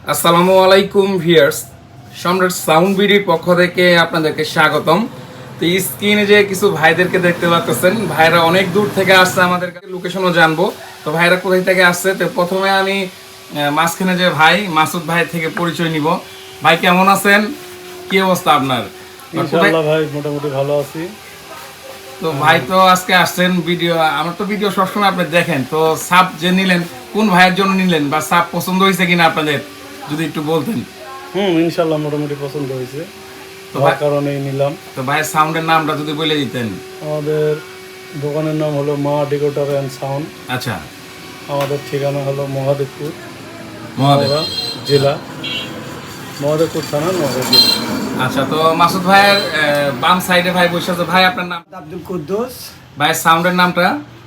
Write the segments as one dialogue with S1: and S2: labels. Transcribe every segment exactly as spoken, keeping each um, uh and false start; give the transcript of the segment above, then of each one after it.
S1: আসসালামু আলাইকুম ভিউয়ার্স, সম্রাট সাউন্ড বিডির পক্ষ থেকে আপনাদেরকে স্বাগতম। তো স্ক্রিনে যে কিছু ভাইদেরকে দেখতে পাচ্ছেন, ভাইরা অনেক দূর থেকে আসছে, আমাদের কাছে লোকেশনও জানবো। তো ভাইরা কোথায় থেকে আসছে, তো প্রথমে আমি আহ, মাঝখানে যে ভাই মাসুদ ভাই থেকে পরিচয় নিব। ভাই কেমন আছেন, কি অবস্থা আপনার?
S2: ইনশাআল্লাহ ভাই মোটামুটি ভালো আছি।
S1: তো ভাই তো আজকে আসছেন ভিডিও, আমার তো ভিডিও সবসময় আপনি দেখেন, তো সাপ যে নিলেন কোন ভাইয়ের জন্য নিলেন বা সাপ পছন্দ হয়েছে কিনা আপনাদের যদি একটু বলতেন।
S2: হুম ইনশাআল্লাহ মোটামুটি পছন্দ হয়েছে,
S1: তো
S2: তার
S1: ভাই-
S2: কারণেই নিলাম।
S1: তো ভাইয়ের সাউন্ডের নামটা যদি বলে দিতেন।
S2: আমাদের দোকানের নাম হলো মা ডেকোরেটর অ্যান্ড সাউন্ড।
S1: আচ্ছা,
S2: আমাদের ঠিকানা হলো মহাদেবপুর
S1: মহাদেব।
S2: নওগাঁ জেলা, মহাদেবপুর থানা নওগাঁ জেলা।
S1: আচ্ছা, তো মাসুদ ভাইয়ের আহ, বাম সাইডে ভাই বসে আছে। ভাই আপনার নাম,
S3: আব্দুল কুদ্দুস,
S1: ভাইয়ের সাউন্ডের নামটা?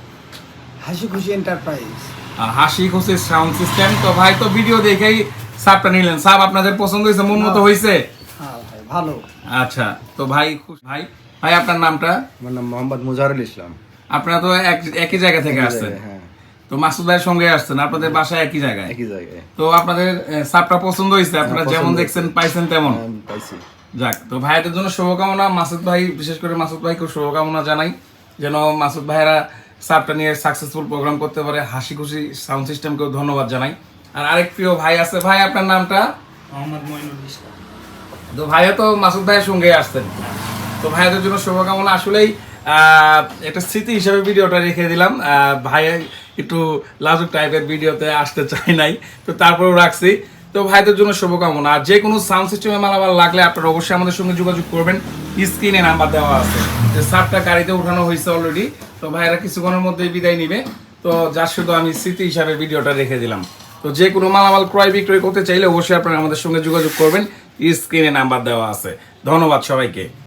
S3: হাসি খুশি এন্টারপ্রাইজ।
S1: আহ, হাসি খুশি সাউন্ড সিস্টেম। তো ভাই তো ভিডিও দেখেই সাপটা নিলেন, সাপ আপনাদের পছন্দ হয়েছে, মন মতো হয়েছে?
S3: হ্যাঁ ভাই ভালো।
S1: আচ্ছা, তো ভাই খুশ- ভাই ভাই আপনার নামটা?
S4: আমার নাম মোহাম্মদ মুজাহিরুল ইসলাম।
S1: আপনারা তো এক- একই জায়গা থেকে আসছেন,
S4: হ্যাঁ,
S1: তো মাসুদ ভাইয়ের সঙ্গে আসছেন, আপনাদের বাসা একই জায়গায়।
S4: একই জায়গায়।
S1: তো আপনাদের আহ, সাপটা পছন্দ হয়েছে, আপনারা
S4: পছন্দ
S1: যেমন
S4: হয়েছে।
S1: দেখছেন পাইছেন তেমন।
S4: হ্যাঁ, পাইছি।
S1: যাক, তো ভাইদের জন্য শুভকামনা। মাসুদ ভাই, বিশেষ করে মাসুদ ভাইকে শুভকামনা জানাই, যেন মাসুদ ভাইরা সাপটা নিয়ে সাকসেসফুল প্রোগ্রাম করতে পারে। হাসি খুশি সাউন্ড সিস্টেমকেও ধন্যবাদ জানাই। আর আরেক প্রিয় ভাই আছে, ভাই আপনার নামটা?
S3: মোহাম্মদ মইনুল ইসলাম।
S1: তো ভাইয়া তো মাসুদ ভাইয়ের সঙ্গে আসছেন, তো ভাইয়াদের জন্য শুভকামনা। আসলেই আহ, একটা স্মৃতি হিসেবে ভিডিওটা রেখে দিলাম। আহ, ভাই একটু লাজুক টাইপের ভিডিওতে আসতে চাই নাই, তো তারপরেও রাখছি। তো ভাইদের জন্য শুভকামনা। আর যে কোনো সাউন্ড সিস্টেমে মালামাল লাগলে আপনারা অবশ্যই আমাদের সঙ্গে যোগাযোগ করবেন, স্ক্রিনে নাম্বার দেওয়া আছে। যে সাপটা গাড়িতে উঠানো হয়েছে অলরেডি, তো ভাইয়েরা কিছুক্ষণের মধ্যেই বিদায় নিবে। তো যার শুধু আমি স্মৃতি হিসাবে ভিডিওটা রেখে দিলাম। তো যে কোনো মালামাল ক্রয় বিক্রয় করতে চাইলে অবশ্যই আপনারা আমাদের সঙ্গে যোগাযোগ করবেন, স্ক্রিনে নাম্বার দেওয়া আছে। ধন্যবাদ সবাইকে।